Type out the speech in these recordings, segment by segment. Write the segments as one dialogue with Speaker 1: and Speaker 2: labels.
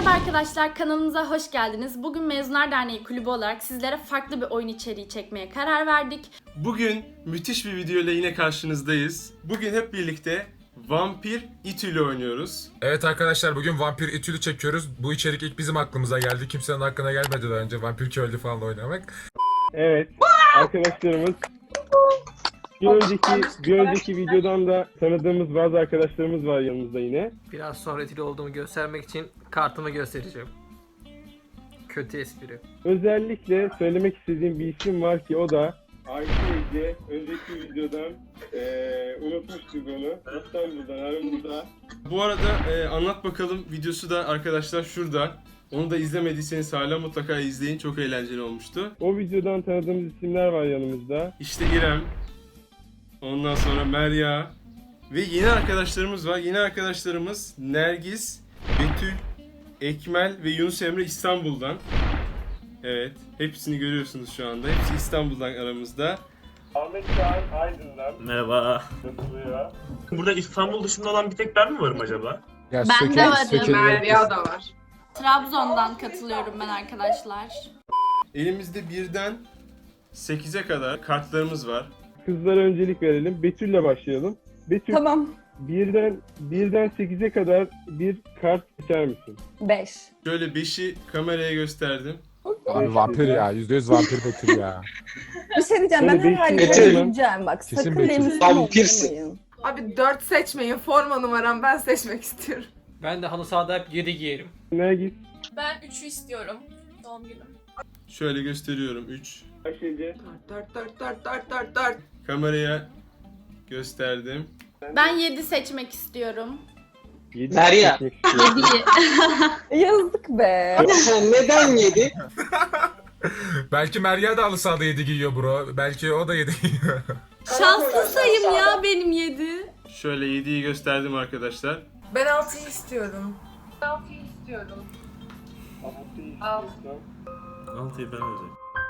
Speaker 1: Merhaba arkadaşlar, kanalımıza hoş geldiniz. Bugün Mezunlar Derneği kulübü olarak sizlere farklı bir oyun içeriği çekmeye karar verdik.
Speaker 2: Bugün müthiş bir video ile yine karşınızdayız. Bugün hep birlikte Vampir İTÜ'yle oynuyoruz.
Speaker 3: Evet arkadaşlar, bugün Vampir İTÜ'lü çekiyoruz. Bu içerik ilk bizim aklımıza geldi. Kimsenin aklına gelmedi daha önce Vampir Köylü falan oynamak.
Speaker 4: Evet, arkadaşlarımız bir önceki videodan da tanıdığımız bazı arkadaşlarımız var yanımızda yine.
Speaker 5: Biraz sonra etkili olduğumu göstermek için kartımı göstereceğim. Kötü espri.
Speaker 4: Özellikle söylemek istediğim bir isim var ki o da Ayşe. Önceki videodan unutmuştuk onu. İstanbul'dan aramızda.
Speaker 2: Bu arada anlat bakalım videosu da arkadaşlar şurada. Onu da izlemediyseniz hala mutlaka izleyin. Çok eğlenceli olmuştu.
Speaker 4: O videodan tanıdığımız isimler var yanımızda.
Speaker 2: İşte İrem. Ondan sonra Merya. Ve yeni arkadaşlarımız var. Yeni arkadaşlarımız Nergis, Betül, Ekmel ve Yunus Emre İstanbul'dan. Evet. Hepsini görüyorsunuz şu anda. Hepsi İstanbul'dan aramızda.
Speaker 4: Ahmet Çağan Aydın'dan.
Speaker 6: Merhaba.
Speaker 4: Katılıyor.
Speaker 6: Burada İstanbul dışında olan bir tek ben mi varım acaba?
Speaker 3: Ya
Speaker 1: Ben de varım.
Speaker 7: Merya da var.
Speaker 1: Trabzon'dan katılıyorum ben arkadaşlar.
Speaker 2: Elimizde 1'den 8'e kadar kartlarımız var.
Speaker 4: Kızlara öncelik verelim. Betül'le başlayalım. Betül,
Speaker 7: Tamam.
Speaker 4: birden 8'e kadar bir kart seçer misin?
Speaker 7: 5.
Speaker 2: Şöyle 5'i kameraya gösterdim.
Speaker 3: Abi vampir ya, %100 vampir Betül ya.
Speaker 7: Bir şey diyeceğim, ben
Speaker 4: Böyle
Speaker 7: her
Speaker 4: bir
Speaker 7: halde
Speaker 4: şey-
Speaker 7: göreceğim bak.
Speaker 3: Kesin
Speaker 7: Sakın
Speaker 3: Betül.
Speaker 7: benim üstüme oynamayın.
Speaker 8: Abi 4 seçmeyin. Forma numaram ben seçmek istiyorum.
Speaker 5: Ben de halı sahada hep 7 giyerim.
Speaker 4: Nergis,
Speaker 9: Ben 3'ü istiyorum. Doğum günüm.
Speaker 2: Şöyle gösteriyorum 3.
Speaker 4: Ayşece,
Speaker 8: 4.
Speaker 2: Kameraya gösterdim.
Speaker 1: Ben 7 seçmek istiyorum.
Speaker 4: 7
Speaker 10: Derya.
Speaker 4: seçmek istiyorum.
Speaker 7: Yazık be.
Speaker 10: Neden yedi?
Speaker 3: Belki Merya da halı sahada 7 giyiyor bro. Belki o da 7 giyiyor.
Speaker 1: Şanslı sayım ya benim 7.
Speaker 2: Şöyle 7'yi gösterdim arkadaşlar.
Speaker 8: Ben 6'yı istiyorum.
Speaker 6: 6'yı ben alacağım.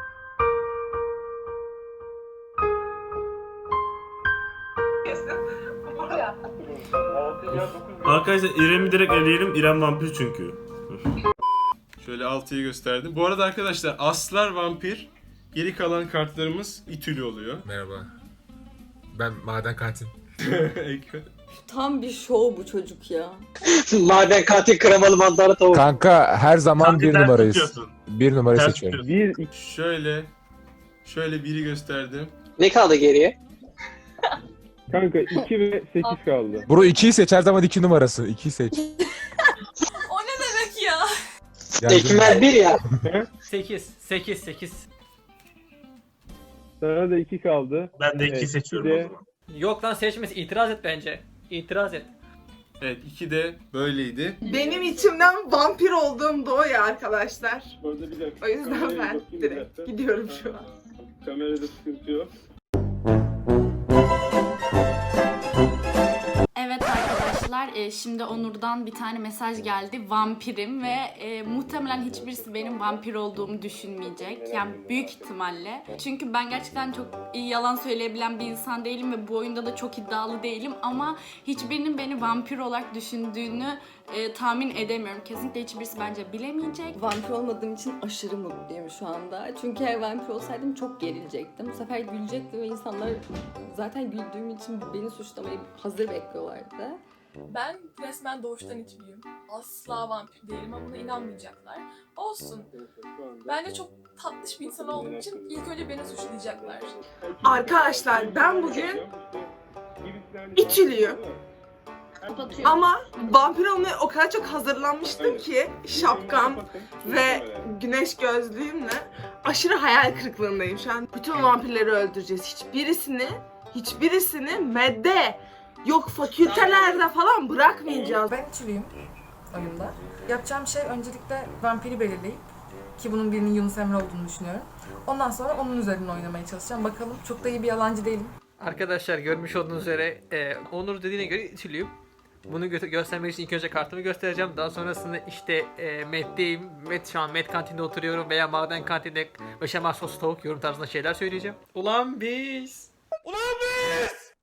Speaker 6: Arkadaşlar İrem'i direkt eleyelim. İrem vampir çünkü.
Speaker 2: Şöyle 6'yı gösterdim. Bu arada arkadaşlar Aslar vampir. Geri kalan kartlarımız İTÜ'lü oluyor.
Speaker 3: Merhaba. Ben maden katil.
Speaker 7: Tam bir şov bu çocuk ya.
Speaker 10: Maden katil kremalı mantarlı tavuk.
Speaker 3: Kanka her zaman
Speaker 6: Kanka,
Speaker 3: bir
Speaker 6: ters
Speaker 3: numarayız.
Speaker 6: tutuyorsun.
Speaker 3: Bir numarayı
Speaker 6: Ters
Speaker 3: seçiyorum.
Speaker 6: tutuyorsun.
Speaker 4: 1, 2,
Speaker 2: Şöyle biri gösterdim.
Speaker 10: Ne kaldı geriye?
Speaker 4: kanka 2 ve 8 kaldı.
Speaker 3: Bro 2'yi seç, her zaman 2 numarası. 2'yi seç.
Speaker 9: O ne demek ya?
Speaker 3: Yani
Speaker 10: Ekmel 1 ya.
Speaker 5: 8.
Speaker 4: Sana da 2 kaldı.
Speaker 6: Ben de 2'yi
Speaker 4: Evet,
Speaker 6: seçiyorum
Speaker 4: bir
Speaker 6: o
Speaker 4: de-
Speaker 6: zaman.
Speaker 5: Yok lan seçmesi, itiraz et bence. İtiraz et.
Speaker 2: Evet 2 de böyleydi.
Speaker 8: Benim içimden vampir olduğum da o ya arkadaşlar.
Speaker 4: Orada bir dakika.
Speaker 8: O yüzden
Speaker 4: Kameraya
Speaker 8: ben
Speaker 4: bakayım bir
Speaker 8: direkt
Speaker 4: dakika.
Speaker 8: gidiyorum şu an.
Speaker 4: Kamerada sıkıntı yok.
Speaker 1: Evet arkadaşlar, şimdi Onur'dan bir tane mesaj geldi. Vampirim ve muhtemelen hiçbirisi benim vampir olduğumu düşünmeyecek. Yani büyük ihtimalle. Çünkü ben gerçekten çok iyi yalan söyleyebilen bir insan değilim ve bu oyunda da çok iddialı değilim. Ama hiçbirinin beni vampir olarak düşündüğünü tahmin edemiyorum. Kesinlikle hiçbirisi bence bilemeyecek.
Speaker 7: Vampir olmadığım için aşırı mutluyum şu anda. Çünkü eğer vampir olsaydım çok gerilecektim. Bu sefer gülecektim ve insanlar zaten güldüğüm için beni suçlamayı hazır bekliyorlardı.
Speaker 9: Ben resmen doğuştan içliyim. Asla vampir değilim ama buna inanmayacaklar. Olsun. Bence çok tatlış bir insan olduğum için ilk önce beni suçlayacaklar.
Speaker 8: Arkadaşlar ben bugün İTÜ'lüyüm. Ama vampir olmaya o kadar çok hazırlanmıştım ki şapkam ve güneş gözlüğümle aşırı hayal kırıklığındayım şu an. Bütün vampirleri öldüreceğiz. Hiçbirisini medde yok fakültelerde falan bırakmayacağız.
Speaker 11: Ben İTÜ'lüyüm oyunda. Yapacağım şey öncelikle vampiri belirleyip, ki bunun birinin Yunus Emre olduğunu düşünüyorum. Ondan sonra onun üzerine oynamaya çalışacağım. Bakalım, çok da iyi bir yalancı değilim.
Speaker 5: Arkadaşlar görmüş olduğunuz üzere Onur dediğine göre İTÜ'lüyüm. Bunu göstermek için ilk önce kartımı göstereceğim. Daha sonrasında işte Met'teyim. Şu an Met kantinde oturuyorum veya maden kantinde beşamel sos tavuk yorum tarzında şeyler söyleyeceğim. Ulan biz!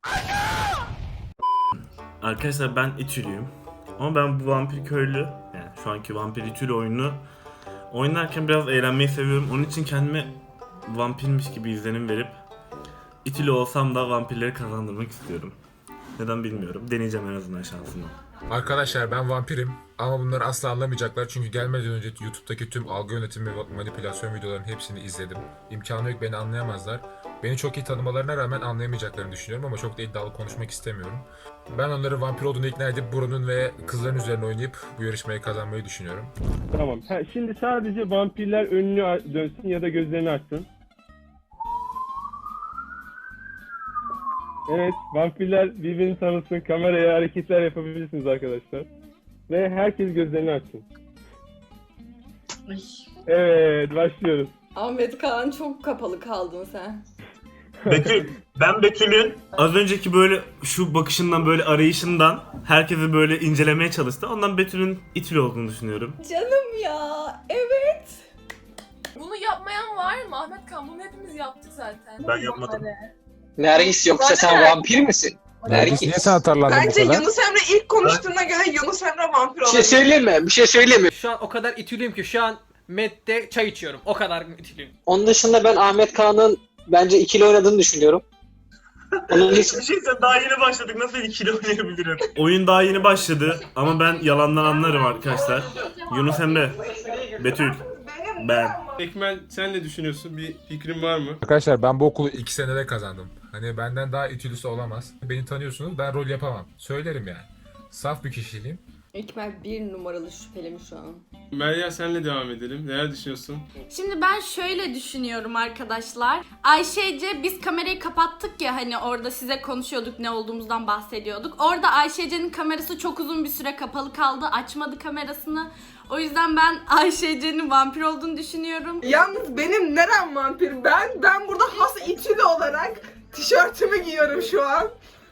Speaker 6: Arkadaşlar ben İTÜ'lüyüm. Ama ben bu vampir köylü, yani Şu anki vampir İtülü oyunu oynarken biraz eğlenmeyi seviyorum. Onun için kendime vampirmiş gibi izlenim verip İtülü olsam da vampirleri kazandırmak istiyorum. Neden bilmiyorum. Deneyeceğim en azından şansımı.
Speaker 3: Arkadaşlar ben vampirim ama bunları asla anlamayacaklar çünkü gelmeden önce YouTube'daki tüm algı yönetimi ve manipülasyon videolarının hepsini izledim. İmkanı yok, beni anlayamazlar. Beni çok iyi tanımalarına rağmen anlayamayacaklarını düşünüyorum ama çok da iddialı konuşmak istemiyorum. Ben onları vampir olduğunu ikna edip Bruno'nun ve kızların üzerine oynayıp bu yarışmayı kazanmayı düşünüyorum.
Speaker 4: Tamam. Şimdi sadece vampirler önünü dönsün ya da gözlerini açsın. Evet, vampirler birbirini tanısın, kameraya hareketler yapabilirsiniz arkadaşlar. Ve herkes gözlerini açsın. Evet, başlıyoruz.
Speaker 7: Ahmet Kaan çok kapalı kaldın sen.
Speaker 6: Ben Betül'ün az önceki böyle şu bakışından böyle arayışından herkesi böyle incelemeye çalıştı. Ondan Betül'ün İtülü olduğunu düşünüyorum.
Speaker 7: Canım ya, evet.
Speaker 9: Bunu yapmayan var mı Ahmet Kan? Bunu hepimiz yaptık zaten.
Speaker 6: Ben yapmadım.
Speaker 10: Nergis yoksa sen vampir misin?
Speaker 3: Nergis niye sen atarlandın bu
Speaker 8: Bence
Speaker 3: kadar?
Speaker 8: Yunus Emre ilk konuştuğuna göre Yunus Emre vampir
Speaker 10: Bir şey
Speaker 8: olabilir.
Speaker 10: söyleyeyim mi? Bir şey söyleyeyim mi?
Speaker 5: Şu an o kadar itülüyüm ki şu an Med'de çay içiyorum. O kadar itülüyüm.
Speaker 10: Onun dışında ben Ahmet Kaan'ın bence ikili oynadığını düşünüyorum. Onun için
Speaker 6: Bir şey sen daha yeni başladık. Nasıl ikili oynayabilirim? Oyun daha yeni başladı ama ben yalandan anlarım arkadaşlar. Yunus Emre, Betül, ben.
Speaker 2: Ekmel sen ne düşünüyorsun? Bir fikrin var mı?
Speaker 3: Arkadaşlar ben bu okulu 2 senede kazandım. Hani benden daha itülüsü olamaz. Beni tanıyorsunuz, ben rol yapamam. Söylerim yani. Saf bir kişiliğim.
Speaker 7: Ekmel bir numaralı şüpheli mi şu an?
Speaker 2: Merya senle devam edelim. Neler düşünüyorsun?
Speaker 1: Şimdi ben şöyle düşünüyorum arkadaşlar. Ayşece biz kamerayı kapattık ya hani orada size konuşuyorduk, ne olduğumuzdan bahsediyorduk. Orada Ayşece'nin kamerası çok uzun bir süre kapalı kaldı. Açmadı kamerasını. O yüzden ben Ayşece'nin vampir olduğunu düşünüyorum.
Speaker 8: Yalnız benim nerem vampir? Ben burada has İtülü olarak tişörtümü giyiyorum şu an.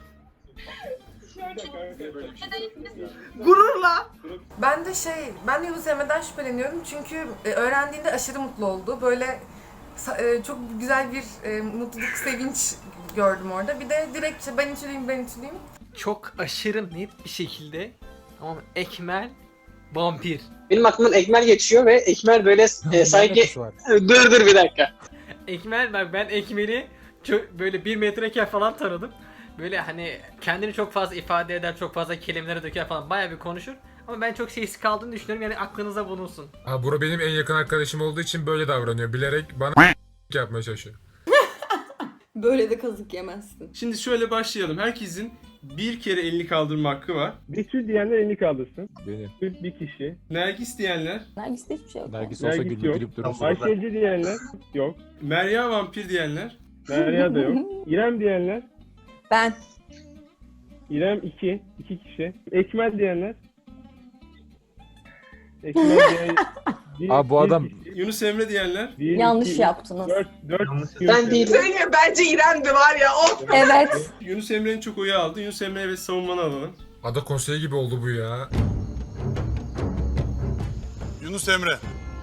Speaker 8: Gururla.
Speaker 11: Ben de Yunus Emre'den şüpheleniyorum çünkü öğrendiğinde aşırı mutlu oldu. Böyle çok güzel bir mutluluk, sevinç gördüm orada. Bir de direkt işte ben içliyim.
Speaker 5: Çok aşırı net bir şekilde ama Ekmel vampir.
Speaker 10: benim aklımdan Ekmel geçiyor ve Ekmel böyle sanki... Dur bir dakika.
Speaker 5: Ekmel ben Ekmel'i böyle 1 metreyken falan tanıdım. Böyle hani kendini çok fazla ifade eder, çok fazla kelimelere döker falan bayağı bir konuşur. Ama ben çok sessiz kaldığını düşünüyorum yani aklınıza bulunsun.
Speaker 3: Ha, Bura benim en yakın arkadaşım olduğu için böyle davranıyor. Bilerek bana yapmaya çalışıyor.
Speaker 7: Böyle de kazık yemezsin.
Speaker 2: Şimdi şöyle başlayalım. Herkesin bir kere elini kaldırma hakkı var.
Speaker 4: Betül diyenler elini kaldırsın.
Speaker 3: Benim.
Speaker 4: Bir kişi.
Speaker 2: Nergis diyenler,
Speaker 7: Nergis'te hiçbir şey yok.
Speaker 3: Nergis olsa
Speaker 4: Nergis yok.
Speaker 3: gülüp durursun.
Speaker 4: Ayşece diyenler yok.
Speaker 2: Merya vampir diyenler,
Speaker 4: Derya da yok. İrem diyenler.
Speaker 7: Ben.
Speaker 4: İrem 2 kişi. Ekmel diyenler. Ekmel diyen...
Speaker 3: Abi bu adam-
Speaker 2: Yunus Emre diyenler,
Speaker 7: Yanlış yaptınız.
Speaker 4: 4
Speaker 10: Ben değilim.
Speaker 8: Söyleyeyim bence İrem'di var ya. Of.
Speaker 7: Evet.
Speaker 2: Yunus Emre'nin çok oyu aldı. Yunus Emre'ye ve savunmanı alalım.
Speaker 3: Ada konseyi gibi oldu bu ya.
Speaker 12: Yunus Emre.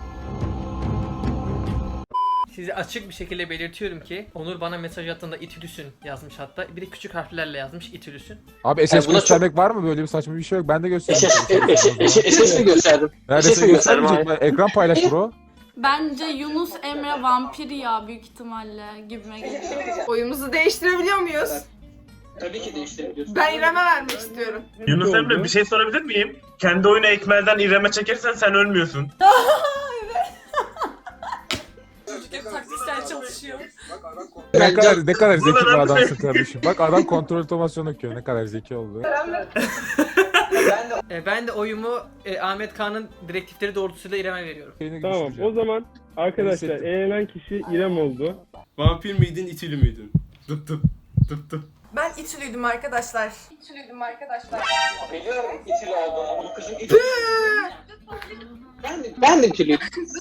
Speaker 5: Size açık bir şekilde belirtiyorum ki Onur bana mesaj attığında İtülüsün yazmış hatta. Bir de küçük harflerle yazmış İtülüsün.
Speaker 3: Abi SS
Speaker 10: Yani buna
Speaker 3: göstermek var mı? Böyle bir saçma bir şey yok. Ben de gösterdim.
Speaker 10: SS mi gösterdim?
Speaker 3: Neredeyse
Speaker 10: SS mi gösterdim
Speaker 3: göstermeyecek mi? Ekran paylaş bro.
Speaker 1: Bence Yunus Emre vampir ya büyük ihtimalle gibime geliyor.
Speaker 8: Oyumuzu değiştirebiliyor muyuz?
Speaker 10: Tabii ki değiştirebiliyorsun.
Speaker 8: Ben İrem'e vermek istiyorum.
Speaker 6: Yunus Emre bir şey sorabilir miyim? Kendi oyunu Ekmel'den İrem'e çekersen sen ölmüyorsun.
Speaker 9: Çocuk hep taktiksel çalışıyor.
Speaker 3: Ne kadar zeki bir adamsın kardeşim. Bak adam kontrol otomasyon okuyor. Ne kadar zeki oldu.
Speaker 5: Ben de oyumu Ahmet Kaan'ın direktifleri doğrultusuyla İrem'e veriyorum.
Speaker 4: Tamam o zaman arkadaşlar eğlenen kişi İrem oldu.
Speaker 2: Vampir miydin, itili miydin? Dıp dıp dıp dıp.
Speaker 11: Ben içliydim arkadaşlar.
Speaker 10: Biliyorum itili olduğunu. Bu kızın itili. Ben de itili.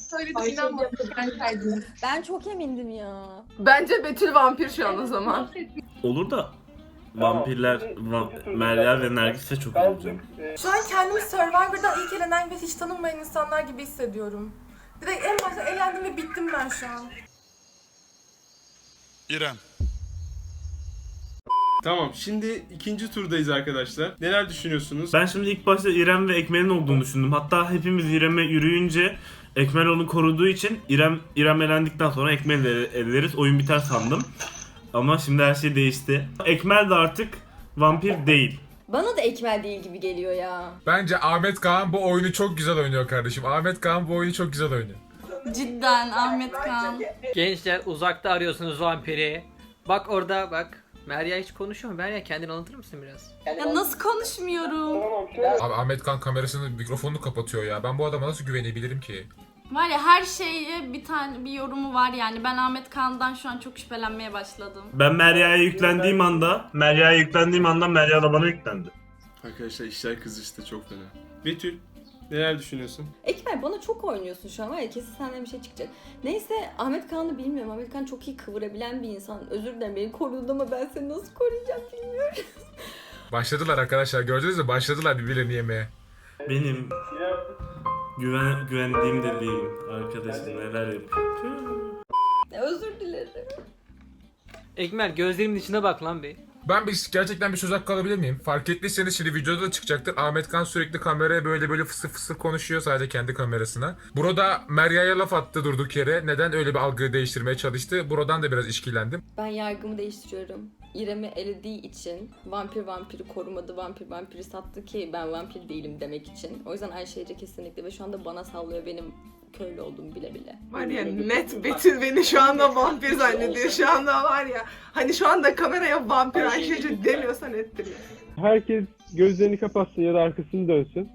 Speaker 7: Ben çok emindim ya.
Speaker 8: Bence Betül vampir şu an o zaman.
Speaker 6: Olur da vampirler, Merya ve Nergis'e çok olacağım.
Speaker 11: Şu an kendimi Survivor'dan ilk elenen ve hiç tanınmayan insanlar gibi hissediyorum. Direkt en başta elendim ve bittim ben şu an.
Speaker 12: İrem.
Speaker 2: Tamam, şimdi ikinci turdayız arkadaşlar. Neler düşünüyorsunuz?
Speaker 6: Ben şimdi ilk başta İrem ve Ekmel'in olduğunu düşündüm. Hatta hepimiz İrem'e yürüyünce Ekmel onu koruduğu için İrem elendikten sonra Ekmel'i de eleriz. Oyun biter sandım. Ama şimdi her şey değişti. Ekmel de artık vampir değil.
Speaker 7: Bana da Ekmel değil gibi geliyor ya.
Speaker 3: Bence Ahmet Kaan bu oyunu çok güzel oynuyor kardeşim. Ahmet Kaan bu oyunu çok güzel oynuyor.
Speaker 1: Cidden Ahmet Kaan.
Speaker 5: Gençler uzakta arıyorsunuz vampiri. Bak orada bak. Merya hiç konuşuyor mu? Merya kendini anlatır mısın biraz?
Speaker 1: Ya nasıl konuşmuyorum?
Speaker 3: Abi Ahmet Kaan kamerasını, mikrofonunu kapatıyor ya. Ben bu adama nasıl güvenebilirim ki?
Speaker 1: Var ya, her şeye bir yorumu var yani. Ben Ahmet Kaan'dan şu an çok şüphelenmeye başladım.
Speaker 6: Ben Merya'ya yüklendiğim anda Merya da bana yüklendi.
Speaker 2: Arkadaşlar işler kızıştı çok fena. Betül, neler düşünüyorsun?
Speaker 7: Ekmel bana çok oynuyorsun şu an var ya, kesin senden bir şey çıkacak. Neyse, Ahmet Kaan'ı bilmiyorum. Ahmet Kaan çok iyi kıvırabilen bir insan. Özür dilerim, beni korudun ama ben seni nasıl koruyacağım bilmiyorum.
Speaker 3: Başladılar arkadaşlar, gördünüz mü? Başladılar birbirlerini yemeye.
Speaker 6: Benim güvendiğim dediğim arkadaşım neler yapıyor.
Speaker 7: Özür dilerim.
Speaker 5: Ekmel gözlerimin içine bak lan bir.
Speaker 3: Ben gerçekten bir söz hakkı alabilir miyim? Fark ettiyseniz şimdi videoda da çıkacaktır. Ahmet Kaan sürekli kameraya böyle fısır fısır konuşuyor, sadece kendi kamerasına. Burada Merya'ya laf attı durduk yere. Neden öyle bir algıyı değiştirmeye çalıştı? Buradan da biraz işkillendim.
Speaker 7: Ben yargımı değiştiriyorum. İrem'i elediği için vampiri korumadı, vampiri sattı ki ben vampir değilim demek için. O yüzden Ayşe Ece kesinlikle ve şu anda bana sallıyor benim köylü olduğumu bile bile.
Speaker 8: Var ya, net Betül beni şu anda vampir zannediyor. Şu anda var ya, hani şu anda kameraya vampir Ayşece demiyorsa nettir ya.
Speaker 4: Herkes gözlerini kapatsın ya da arkasını dönsün.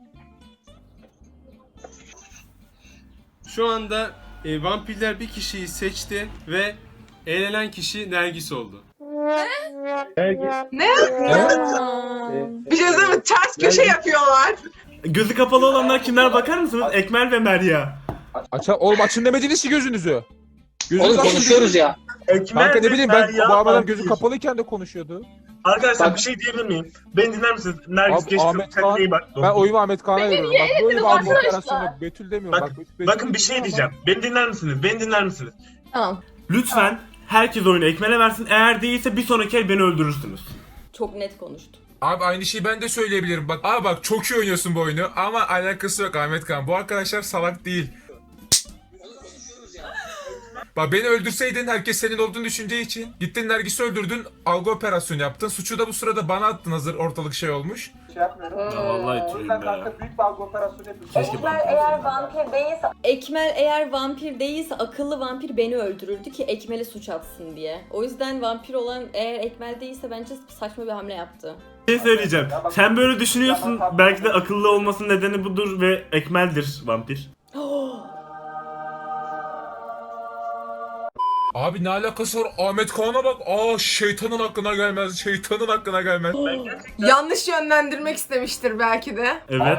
Speaker 2: Şu anda vampirler bir kişiyi seçti ve elenen kişi Nergis oldu.
Speaker 8: Ne? Bir şey söyleyeyim mi? Ters köşe yapıyorlar.
Speaker 6: Gözü kapalı olanlar kimler bakar mısınız? Ekmel ve Merya.
Speaker 12: Oğlum açın demediniz ki gözünüzü.
Speaker 10: Oğlum konuşuyoruz ya.
Speaker 12: Kanka ne bileyim, ben bu adam gözü kapalıyken de konuşuyordu.
Speaker 6: Arkadaşlar bir şey diyebilir miyim? Beni dinler misiniz? Nergis
Speaker 12: Abi,
Speaker 6: geçti.
Speaker 12: Ahmet Kaan, ben oyumu Ahmet Kaan'a veriyorum. Bak böyle bir algı operasyonu yok. Betül demiyorum. Betül
Speaker 6: Bakın bir şey diyeceğim. Beni dinler misiniz?
Speaker 7: Tamam.
Speaker 6: Lütfen herkes oyunu Ekmel'e versin. Eğer değilse bir sonraki el beni öldürürsünüz.
Speaker 7: Çok net konuştu.
Speaker 3: Abi aynı şeyi ben de söyleyebilirim. Bak abi, bak çok iyi oynuyorsun bu oyunu ama alakası yok Ahmet Kaan. Bu arkadaşlar salak değil. Bak beni öldürseydin herkes senin olduğunu düşüneceği için gittin Nergis'i öldürdün, algı operasyonu yaptın. Suçu da bu sırada bana attın hazır ortalık şey olmuş.
Speaker 6: Ya vallahi tüyüm ya. Keşke
Speaker 7: Ekmel eğer vampir değilse akıllı vampir beni öldürürdü ki Ekmel'e suç atsın diye. O yüzden vampir olan eğer Ekmel değilse bence saçma bir hamle yaptı.
Speaker 6: Bir şey söyleyeceğim. Sen böyle düşünüyorsun. Belki de akıllı olmasının nedeni budur ve Ekmel'dir vampir.
Speaker 3: Abi ne alakası var? Ahmet Kaan'a bak. Şeytanın aklına gelmez. Şeytanın aklına gelmez.
Speaker 8: Yanlış yönlendirmek istemiştir belki de.
Speaker 6: Evet.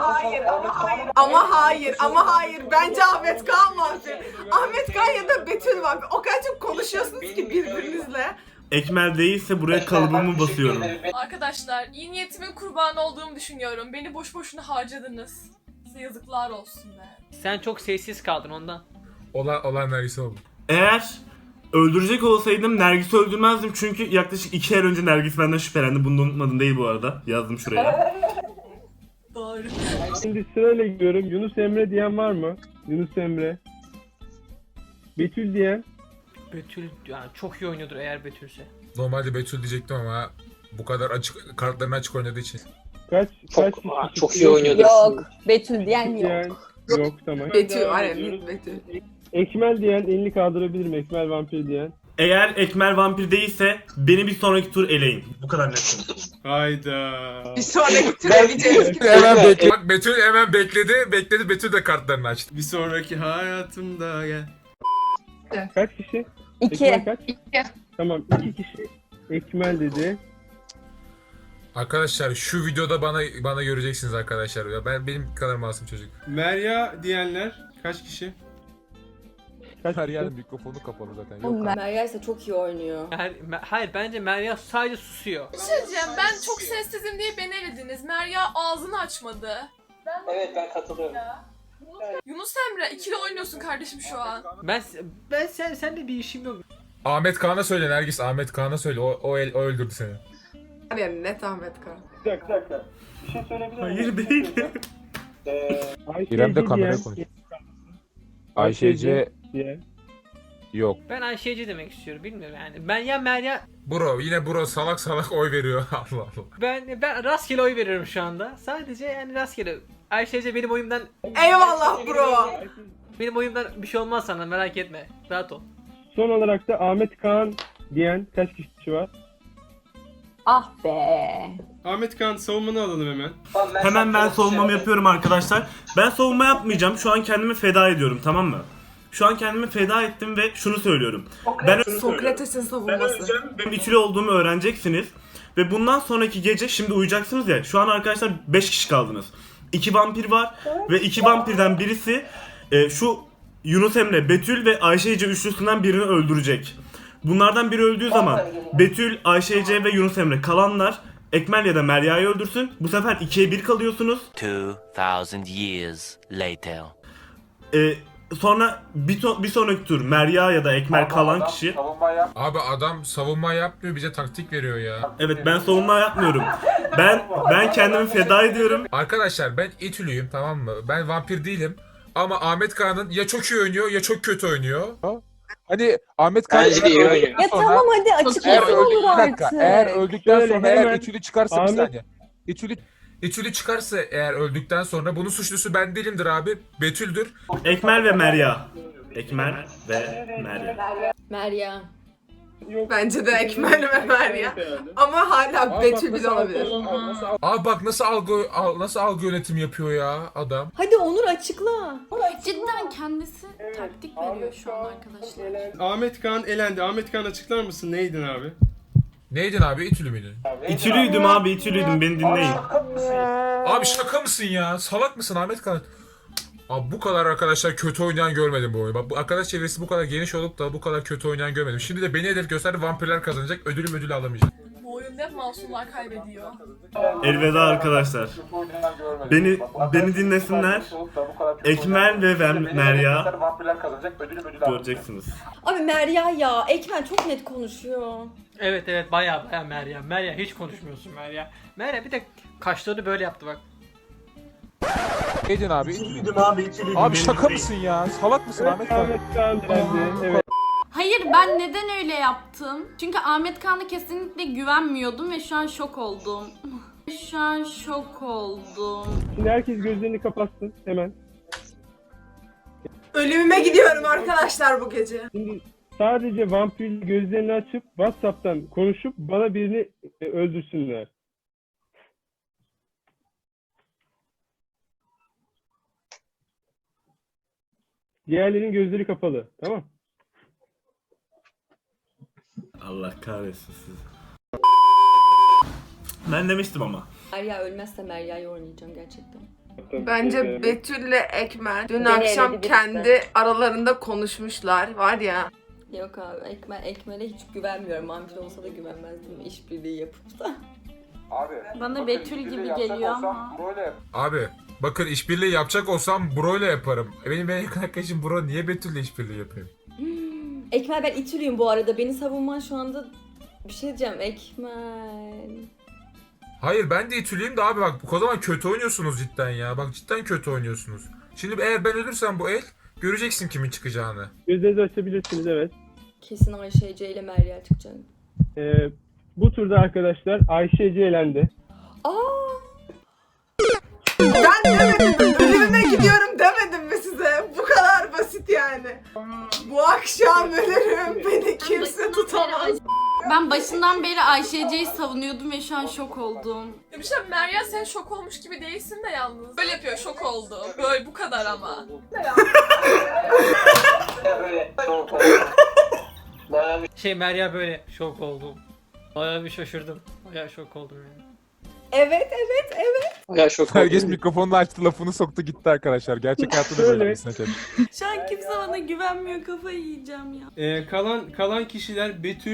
Speaker 8: Ama hayır. Bence Ahmet Kaan vampir. Ahmet Kaan ya da Betül vampir. O kadar çok konuşuyorsunuz ki birbirinizle.
Speaker 6: Ekmel değilse buraya kalıbımı basıyorum.
Speaker 9: Arkadaşlar iyi niyetimin kurbanı olduğumu düşünüyorum. Beni boş boşuna harcadınız. Size yazıklar olsun be.
Speaker 5: Sen çok sessiz kaldın ondan.
Speaker 3: Olan Nergis'i oldu.
Speaker 6: Eğer öldürecek olsaydım Nergis'i öldürmezdim çünkü yaklaşık 2 ay önce Nergis benden şüphelendi. Bunu da unutmadım değil bu arada. Yazdım şuraya.
Speaker 9: Doğru.
Speaker 4: Şimdi sırayla gidiyorum. Yunus Emre diyen var mı? Yunus Emre. Betül diyen.
Speaker 5: Betül yani çok iyi oynuyordur eğer Betülse.
Speaker 3: Normalde Betül diyecektim ama bu kadar açık, kartlarını açık oynadığı için.
Speaker 4: Kaç
Speaker 10: Çok iyi oynuyordur.
Speaker 7: Yok. Betül diyen
Speaker 4: diyen.
Speaker 7: yok.
Speaker 4: Yok tamam.
Speaker 8: Betül var ya, Betül.
Speaker 4: Ekmel diyen elini kaldırabilir mi? Ekmel vampir diyen.
Speaker 6: Eğer Ekmel vampir değilse beni bir sonraki tur eleyin. Bu kadar net.
Speaker 2: Hayda.
Speaker 8: Bir sonraki tur eleyeceğiz.
Speaker 3: Bak Betül hemen bekledi. Betül de kartlarını açtı.
Speaker 2: Bir sonraki hayatımda gel.
Speaker 4: Kaç kişi?
Speaker 7: 2.
Speaker 4: Ekmel kaç? Tamam 2 kişi. Ekmel dedi.
Speaker 3: Arkadaşlar şu videoda bana göreceksiniz arkadaşlar. Ya benim kadar masum çocuk.
Speaker 2: Merya diyenler kaç kişi?
Speaker 12: Her yerin mikrofonu kapalı zaten. Yok.
Speaker 7: Merya ise çok iyi oynuyor.
Speaker 5: Hayır bence Merya sadece susuyor.
Speaker 9: Bir şey diyeceğim, ben çok sessizim diye beni elediniz. Merya ağzını açmadı.
Speaker 10: Evet ben katılıyorum.
Speaker 9: Yunus Emre ikili oynuyorsun kardeşim şu an.
Speaker 5: Ben senle bir işim yok.
Speaker 3: Ahmet Kaan'a söyle Nergis. Ahmet Kaan'a söyle. O öldürdü seni.
Speaker 11: Yani net Ahmet Kaan.
Speaker 4: Bir dakika. Bir şey söyleyebilir miyim?
Speaker 6: Hayır değil.
Speaker 12: İrem de kameraya konuşuyor. Ayşece
Speaker 4: diye.
Speaker 12: yok.
Speaker 5: Ben Ayşe'ci demek istiyorum, bilmiyorum yani. Ben ya Meryem...
Speaker 3: Bro yine bro salak salak oy veriyor. Allah Allah.
Speaker 5: Ben rastgele oy veriyorum şu anda. Sadece yani rastgele. Ayşe'ce benim oyumdan...
Speaker 8: Eyvallah bro.
Speaker 5: Benim oyumdan bir şey olmaz sana, merak etme. Rahat ol.
Speaker 4: Son olarak da Ahmet Kaan diyen kaç kişi var?
Speaker 7: Ah be.
Speaker 2: Ahmet Kaan savunmanı alalım hemen.
Speaker 6: Hemen ben savunmamı yapıyorum arkadaşlar. Ben savunma yapmayacağım. Şu an kendimi feda ediyorum, tamam mı? Şu an kendimi feda ettim ve şunu söylüyorum.
Speaker 8: Sokrates'in savunması.
Speaker 6: Benim İTÜ'lü olduğumu öğreneceksiniz. Ve bundan sonraki gece şimdi uyuyacaksınız ya. Şu an arkadaşlar 5 kişi kaldınız. 2 vampir var ve 2 vampirden birisi şu Yunus Emre, Betül ve Ayşe Ece üçlüsünden birini öldürecek. Bunlardan biri öldüğü zaman Betül, Ayşe Ece ve Yunus Emre kalanlar Ekmel ya da Merya'yı öldürsün. Bu sefer 2'ye 1 kalıyorsunuz.
Speaker 13: 2000 years later.
Speaker 6: Sonra bir sonraki tur Merya ya da Ekmel kalan kişi.
Speaker 3: Abi adam savunma yapmıyor, bize taktik veriyor ya.
Speaker 6: Evet, ben savunma yapmıyorum. Ben kendimi feda ediyorum.
Speaker 3: Arkadaşlar ben İTÜ'lüyüm, tamam mı? Ben vampir değilim. Ama Ahmet Kağan'ın ya çok iyi oynuyor ya çok kötü oynuyor.
Speaker 12: Hani Ahmet Kaan
Speaker 10: Bence de iyi oynuyor.
Speaker 7: Ya tamam hadi
Speaker 12: eğer
Speaker 7: açıklasın olur
Speaker 12: bir dakika,
Speaker 7: artık.
Speaker 12: eğer öldükten
Speaker 4: Şöyle
Speaker 12: sonra
Speaker 4: hemen
Speaker 12: eğer İTÜ'lü çıkarsa bir
Speaker 4: Ahmet-
Speaker 12: saniye.
Speaker 3: İTÜ'lü çıkarsa eğer öldükten sonra bunun suçlusu ben değilimdir abi. Betül'dür.
Speaker 6: Ekmel ve Merya. Ekmel ve Merya.
Speaker 7: Merya.
Speaker 8: Bence de Ekmel ve Meryem. Ama hala Betül bile olabilir.
Speaker 3: Abi bak nasıl algı yönetimi yapıyor ya adam.
Speaker 7: Hadi Onur açıkla.
Speaker 1: Cidden kendisi taktik veriyor şu an arkadaşlar.
Speaker 2: Ahmet Kaan elendi. Ahmet Kaan açıklar mısın? Neydin abi?
Speaker 3: Neydin abi, İTÜ'lü müydün?
Speaker 6: İTÜ'lüydüm abi, İTÜ'lüydüm, beni dinleyin.
Speaker 3: Abi şaka mısın ya? Salak mısın Ahmet Kaan? Abi bu kadar arkadaşlar kötü oynayan görmedim bu oyunu. Bak bu arkadaş çevresi bu kadar geniş olup da bu kadar kötü oynayan görmedim. Şimdi de beni hedef gösterdi, vampirler kazanacak, ödülü alamayacak.
Speaker 9: Bu oyunda hep masumlar kaybediyor.
Speaker 6: Elveda arkadaşlar. Beni dinlesinler. Ekmel ve Merya. Göreceksiniz.
Speaker 7: Abi Merya ya. Ekmen çok net konuşuyor.
Speaker 5: Evet baya Meryem. Meryem hiç konuşmuyorsun Meryem. Meryem bir de kaşlarını böyle yaptı bak.
Speaker 12: Neydin abi? Abi şaka mısın ya? Salak mısın Ahmet Kaan?
Speaker 4: Ahmet Kaan dilendi. Evet.
Speaker 1: Hayır, ben neden öyle yaptım? Çünkü Ahmet Kaan'a kesinlikle güvenmiyordum ve şu an şok oldum. Şu an şok oldum.
Speaker 4: Şimdi herkes gözlerini kapatsın hemen.
Speaker 8: Ölümüme gidiyorum arkadaşlar bu gece.
Speaker 4: Şimdi sadece vampir gözlerini açıp WhatsApp'tan konuşup bana birini öldürsünler. Diğerlerinin gözleri kapalı. Tamam.
Speaker 6: Allah kahretsin sizi. Ben demiştim ama.
Speaker 7: Merya ölmezse Merya'yı oynayacağım gerçekten.
Speaker 8: Bence Betül'le Ekmel dün
Speaker 7: Beni
Speaker 8: akşam
Speaker 7: eledi birisi.
Speaker 8: kendi aralarında konuşmuşlar. Var ya.
Speaker 7: Yok abi Ekmel'e hiç güvenmiyorum. Vampir olsa da güvenmezdim işbirliği yapıp da.
Speaker 1: Bana Betül gibi geliyor ama.
Speaker 3: Abi bakın işbirliği yapacak olsam Bro ile yaparım. Benim en yakın arkadaşım Bro, niye Betül'le işbirliği yapayım?
Speaker 7: Ekmel ben İTÜ'lüyüm bu arada. Beni savunman şu anda bir şey diyeceğim Ekmel.
Speaker 3: Hayır ben de İTÜ'lüyüm de abi bak o zaman kötü oynuyorsunuz cidden ya. Bak cidden kötü oynuyorsunuz. Şimdi eğer ben ölürsem bu el göreceksin kimin çıkacağını.
Speaker 4: Gözlerinizi açabilirsiniz, evet.
Speaker 7: Kesin Ayşe Ece ile Merya çıkacak.
Speaker 4: Bu turda arkadaşlar Ayşe Ece elendi.
Speaker 7: Aa!
Speaker 8: Ben demedim mi? Ölümüme gidiyorum demedim mi size? Bu kadar basit yani. Bu akşam ölürüm. Beni kimse tutamaz.
Speaker 1: Ben başından beri Ayşe Ece'yi savunuyordum ve şu an şok oldum.
Speaker 9: Ya bir şey Meryem sen şok olmuş gibi değilsin de yalnız. Böyle yapıyor, şok oldum. Böyle bu kadar ama.
Speaker 5: Meryem böyle şok oldum. Bayağı bir şaşırdım. Bayağı şok oldum yani.
Speaker 7: Evet.
Speaker 10: Ya şok
Speaker 12: Herkes
Speaker 10: oldum.
Speaker 12: mikrofonunu açtı, lafını soktu gitti arkadaşlar. Gerçek hayatta da böyle birisine çek.
Speaker 1: Şu an kimse bana güvenmiyor, kafayı yiyeceğim ya.
Speaker 2: Kalan kişiler Betül,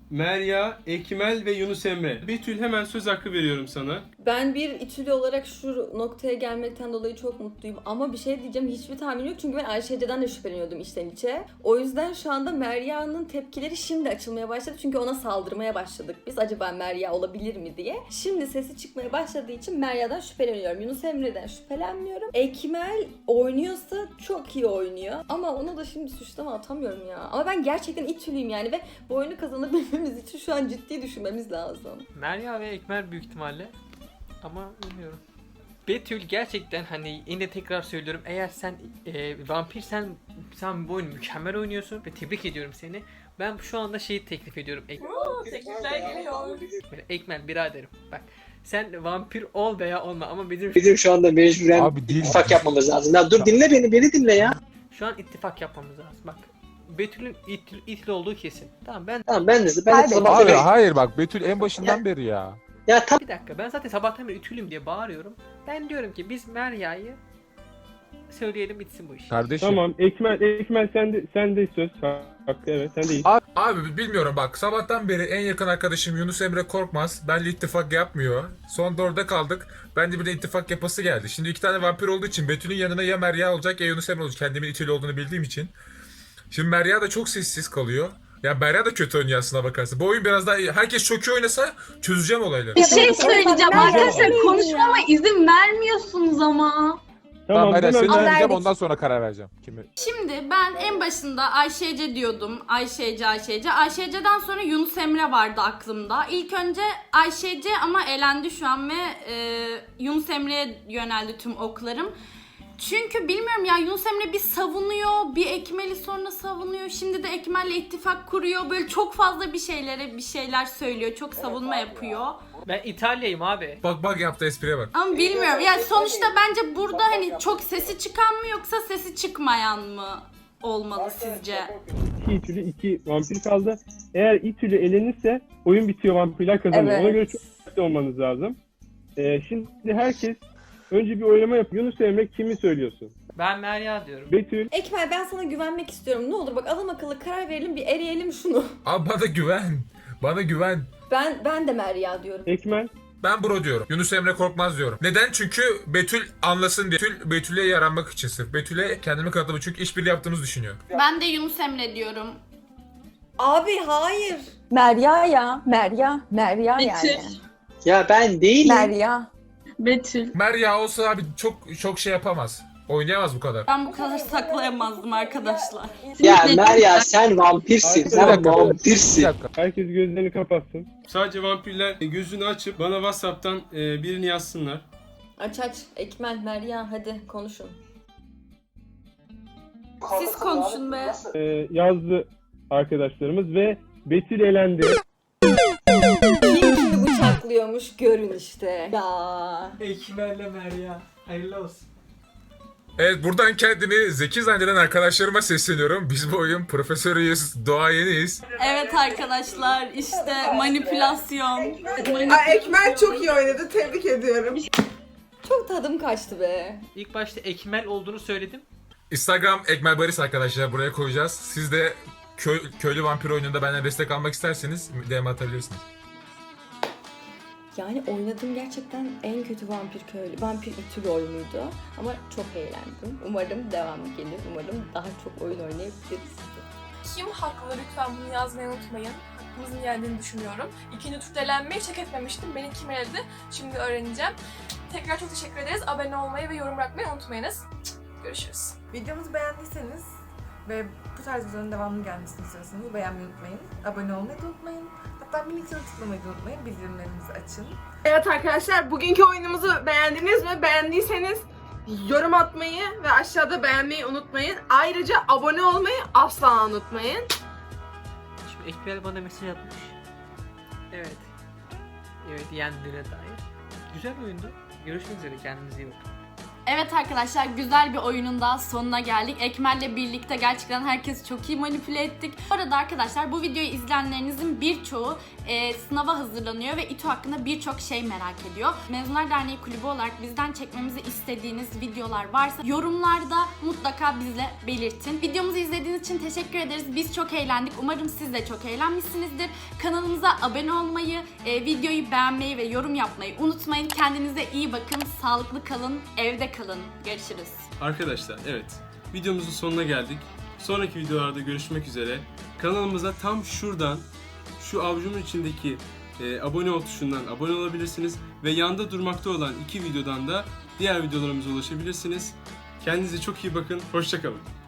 Speaker 2: Merya, Ekmel ve Yunus Emre. Betül, hemen söz hakkı veriyorum sana.
Speaker 7: Ben bir İTÜ'lü olarak şu noktaya gelmekten dolayı çok mutluyum. Ama bir şey diyeceğim, hiçbir tahminim yok. Çünkü ben Ayşe Ece'den de şüpheleniyordum içten içe. O yüzden şu anda Merya'nın tepkileri şimdi açılmaya başladı. Çünkü ona saldırmaya başladık biz. Acaba Merya olabilir mi diye. Şimdi sesi çıkmaya başladığı için Merya'dan şüpheleniyorum. Yunus Emre'den şüphelenmiyorum. Ekmel oynuyorsa çok iyi oynuyor. Ama onu da şimdi suçlama atamıyorum ya. Ama ben gerçekten İTÜ'lüyüm yani ve bu oyunu kazanabilmemiz için şu an ciddi düşünmemiz lazım.
Speaker 5: Merya ve Ekmel büyük ihtimalle. Ama bilmiyorum. Betül gerçekten hani yine tekrar söylüyorum, eğer sen vampirsen sen bu oyunu mükemmel oynuyorsun ve tebrik ediyorum seni. Ben şu anda şeyi teklif ediyorum.
Speaker 9: Teklifler geliyor.
Speaker 5: Ekmel biraderim bak, sen vampir ol veya olma ama
Speaker 10: Bizim şu anda mecburen
Speaker 12: Abi değil.
Speaker 10: ittifak yapmamız lazım. Ya dur dinle beni dinle ya.
Speaker 5: şu an ittifak yapmamız lazım. Bak Betül'ün itli olduğu kesin. Tamam ben
Speaker 10: Tamam ben de
Speaker 12: Abi hayır bak Betül en başından beri ya.
Speaker 10: Ya tam
Speaker 5: bir dakika, ben zaten sabahtan beri ütülüm diye bağırıyorum. Ben diyorum ki biz Merya'yı söyleyelim, bitsin bu iş.
Speaker 12: Kardeşim.
Speaker 4: Tamam Ekmel sen de söz hakkı, evet sen de.
Speaker 3: Abi bilmiyorum bak, sabahtan beri en yakın arkadaşım Yunus Emre Korkmaz benimle ittifak yapmıyor. Son 4'e kaldık. Ben de bir de ittifak yapası geldi. Şimdi 2 tane vampir olduğu için Betül'ün yanına ya Merya olacak ya Yunus Emre olacak. Kendimin İTÜ'lü olduğunu bildiğim için. Şimdi Merya da çok sessiz kalıyor. Ya Merya da kötü oynuyor aslına bakarsa. Bu oyun biraz daha iyi. Herkes çok iyi oynasa çözeceğim olayları.
Speaker 14: Bir şey söyleyeceğim arkadaşlar, konuşmama izin vermiyorsunuz ama.
Speaker 12: Tamam Merya seni
Speaker 7: Ama
Speaker 12: dinleyeceğim,
Speaker 7: verdik.
Speaker 12: ondan sonra karar vereceğim. Kimi?
Speaker 1: Şimdi ben en başında Ayşe Ece diyordum. Ayşe Ece. Ayşe Ece'den sonra Yunus Emre vardı aklımda. İlk önce Ayşe Ece ama elendi şu an ve Yunus Emre'ye yöneldi tüm oklarım. Çünkü bilmiyorum ya, Yunus Emre bir savunuyor, bir Ekmel'i sonra savunuyor. Şimdi de Ekmel'le ittifak kuruyor. Böyle çok fazla bir şeyler söylüyor. Çok savunma yapıyor.
Speaker 5: Ben İtalya'yım abi.
Speaker 3: Bak yaptı espriye bak.
Speaker 1: Ama bilmiyorum. Yani sonuçta bence burada hani çok sesi çıkan mı yoksa sesi çıkmayan mı olmalı sizce?
Speaker 4: 2 İTÜ'lü 2 vampir kaldı. Eğer İTÜ'lü elenirse oyun bitiyor, vampirler kazanıyor.
Speaker 7: Evet.
Speaker 4: Ona göre çok dikkatli olmanız lazım. Şimdi herkes önce bir oylama yap. Yunus Emre kimi söylüyorsun?
Speaker 5: Ben Merya diyorum.
Speaker 4: Betül.
Speaker 7: Ekmel, ben sana güvenmek istiyorum. Ne olur bak, adam akıllı karar verelim, bir eleyelim şunu.
Speaker 3: Abi bana güven. Bana güven.
Speaker 7: Ben de Merya diyorum.
Speaker 4: Ekmel.
Speaker 3: Ben bro diyorum. Yunus Emre Korkmaz diyorum. Neden? Çünkü Betül anlasın diye. Betül'e yaranmak için sırf. Betül'e kendimi kanıtlamak, çünkü işbirliği yaptığımızı düşünüyor.
Speaker 1: Ben de Yunus Emre diyorum.
Speaker 7: Abi hayır.
Speaker 14: Merya ya. Merya
Speaker 9: Betül.
Speaker 14: yani.
Speaker 10: ya ben değilim.
Speaker 14: Merya.
Speaker 9: Betül.
Speaker 3: Merya olsa abi çok şey yapamaz. Oynayamaz bu kadar.
Speaker 1: Ben bu kadar saklayamazdım arkadaşlar.
Speaker 10: Ya Merya sen vampirsin.
Speaker 12: Bir
Speaker 10: Sen
Speaker 12: dakika. Bir
Speaker 10: vampirsin.
Speaker 12: dakika.
Speaker 4: Herkes gözlerini kapatsın.
Speaker 2: Sadece vampirler gözünü açıp bana WhatsApp'tan birini yazsınlar.
Speaker 7: Aç. Ekmel, Merya hadi konuşun.
Speaker 1: Siz konuşun be.
Speaker 4: Yazdı arkadaşlarımız ve Betül elendi.
Speaker 7: Kim kimi bıçaklıyormuş görün işte. Ya.
Speaker 5: Ekmel'le Merya. Hayırlı olsun.
Speaker 3: Evet, buradan kendini zeki zanneden arkadaşlarıma sesleniyorum. Biz bu oyun profesörüyüz, doğayeniyiz.
Speaker 1: Evet arkadaşlar, işte manipülasyon.
Speaker 8: Ekmel çok iyi oynadı. Tebrik ediyorum.
Speaker 7: Çok tadım kaçtı be.
Speaker 5: İlk başta Ekmel olduğunu söyledim.
Speaker 3: Instagram Ekmel Baris arkadaşlar, buraya koyacağız. Siz de köylü vampir oyununda benden destek almak isterseniz DM atabilirsiniz.
Speaker 7: Yani oynadığım gerçekten en kötü vampir İTÜ'lü oyunuydu. Ama çok eğlendim. Umarım devamı gelir. Umarım daha çok oyun oynayabiliriz.
Speaker 9: Kim haklı, lütfen bunu yazmayı unutmayın. Hakkımızın geldiğini düşünüyorum. İkinci turda elenmeyi çek etmemiştim. Beni kim eledi? Şimdi öğreneceğim. Tekrar çok teşekkür ederiz. Abone olmayı ve yorum bırakmayı unutmayınız. Görüşürüz.
Speaker 11: Videomuzu beğendiyseniz ve bu tarz videoların devamlı gelmesini istiyorsanız beğenmeyi unutmayın. Abone olmayı da unutmayın. Hatta minik zil tıklamayı da unutmayın. Bildirimlerinizi açın.
Speaker 8: Evet arkadaşlar, bugünkü oyunumuzu beğendiniz mi? Beğendiyseniz yorum atmayı ve aşağıda beğenmeyi unutmayın. Ayrıca abone olmayı asla unutmayın.
Speaker 5: Şimdi Ekmel bana mesaj atmış. Evet. Evet, yendiğine dair. Güzel oyundu. Görüşmek üzere, kendinize iyi bakın.
Speaker 1: Evet arkadaşlar, güzel bir oyunun daha sonuna geldik. Ekmel'le birlikte gerçekten herkesi çok iyi manipüle ettik. Bu arada arkadaşlar, bu videoyu izleyenlerinizin birçoğu sınava hazırlanıyor ve İTÜ hakkında birçok şey merak ediyor. Mezunlar Derneği Kulübü olarak bizden çekmemizi istediğiniz videolar varsa yorumlarda mutlaka mutlaka bizle belirtin. Videomuzu izlediğiniz için teşekkür ederiz. Biz çok eğlendik. Umarım siz de çok eğlenmişsinizdir. Kanalımıza abone olmayı, videoyu beğenmeyi ve yorum yapmayı unutmayın. Kendinize iyi bakın. Sağlıklı kalın. Evde kalın. Görüşürüz.
Speaker 2: Arkadaşlar evet, videomuzun sonuna geldik. Sonraki videolarda görüşmek üzere. Kanalımıza tam şuradan, şu avucumun içindeki abone ol tuşundan abone olabilirsiniz. Ve yanda durmakta olan 2 videodan da diğer videolarımıza ulaşabilirsiniz. Kendinize çok iyi bakın. Hoşça kalın.